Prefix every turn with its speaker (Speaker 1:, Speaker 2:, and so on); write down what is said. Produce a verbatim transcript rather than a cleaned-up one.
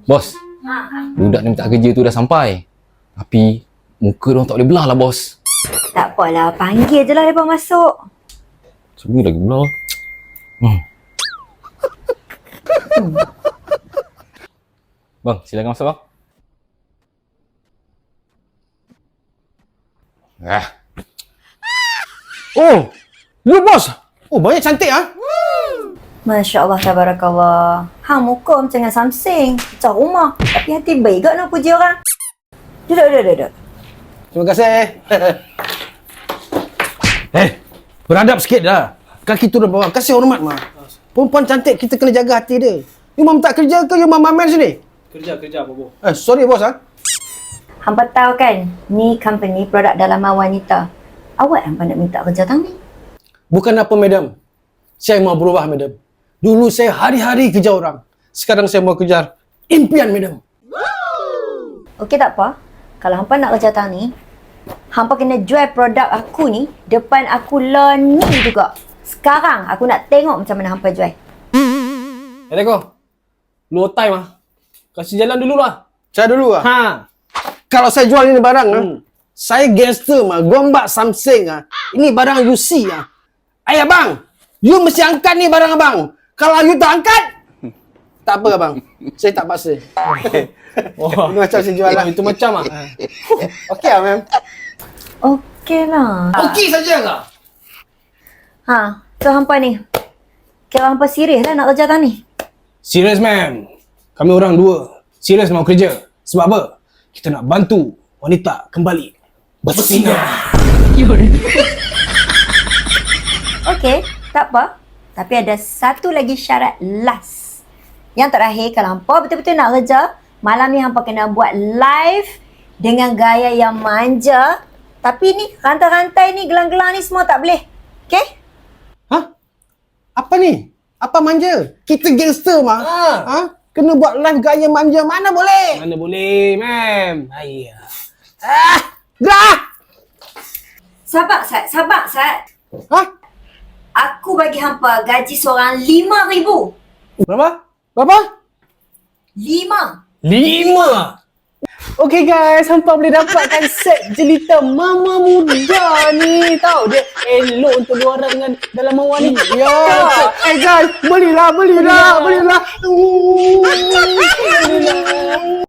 Speaker 1: Bos, budak ni minta kerja tu dah sampai. Tapi muka dia orang tak boleh belah lah bos.
Speaker 2: Tak apalah, panggil je lah mereka masuk.
Speaker 1: Semua lagi belah. Hmm. Bang, silakan masuk bang. Ah.
Speaker 3: Oh, lu bos. Oh, banyak cantik ah.
Speaker 2: Masya Allah, tabarakallah. Hang muka macam dengan Samsung. Macam rumah. Tapi hati baik kot nak puji orang. Duduk, duduk, duduk.
Speaker 3: Terima kasih. Eh, beradab sikit dah. Kaki turun bawah. Kasih hormat mah. Perempuan cantik kita kena jaga hati dia. You mam tak kerja ke you mam mamen sini?
Speaker 4: Kerja, kerja apa, Bobo?
Speaker 3: Eh, sorry bos ah.
Speaker 2: Hampa tahu kan, ni company produk dalaman wanita. Awak hampa nak minta kerja tang ni?
Speaker 3: Bukan apa madam. Saya mau berubah madam. Dulu saya hari-hari kejar orang. Sekarang saya mau kejar impian madam.
Speaker 2: Okey tak apa. Kalau hampa nak kerja tang ni, hampa kena jual produk aku ni depan aku lah ni juga. Sekarang aku nak tengok macam mana hampa jual.
Speaker 4: Eh, Teko. Lu time ah. Kasih jalan dulu lah.
Speaker 3: Saya dulu ah.
Speaker 4: Ha.
Speaker 3: Kalau saya jual ini barang ah,
Speaker 4: Hmm.
Speaker 3: saya gangster mah, gombak Samsung ah. Ini barang you see ah. Ayah bang, you mesti angkat ni barang abang. Kalau you tak angkat, tak apa abang. Saya tak paksa.
Speaker 4: Wah.
Speaker 3: Ini macam saya jual lah.
Speaker 4: Itu macam ah.
Speaker 3: Okey ah, ma'am.
Speaker 2: Okey lah.
Speaker 3: Okey saja ke?
Speaker 2: Ha, so hampa ni. Kira hampa serius lah nak kerja tang ni.
Speaker 4: Serius, ma'am. Kami orang dua. Serius mau kerja. Sebab apa? Kita nak bantu wanita kembali bersinar.
Speaker 2: Okey, tak apa. Tapi ada satu lagi syarat last. Yang terakhir, kalau hampa betul-betul nak kerja, malam ni hampa kena buat live dengan gaya yang manja. Tapi ni, rantai-rantai ni, gelang-gelang ni semua tak boleh. Okey?
Speaker 3: Hah? Apa ni? Apa manja? Kita gangster mah.
Speaker 4: Ha.
Speaker 3: Ha? Kena buat live gaya manja. Mana boleh?
Speaker 4: Mana boleh, ma'am. Ayah.
Speaker 3: Ah! Gerak!
Speaker 2: Sabar, Sat. Sabar, Sat.
Speaker 3: Ha?
Speaker 2: Aku bagi hampa gaji seorang lima ribu.
Speaker 4: Berapa?
Speaker 3: Berapa?
Speaker 2: Lima.
Speaker 4: Lima.
Speaker 3: Okey guys, hampa boleh dapatkan set jelita mama muda ni. Tahu dia elok untuk dua orang dengan dalam wanita. Ya. Eh guys, belilah, belilah, belilah. Belilah.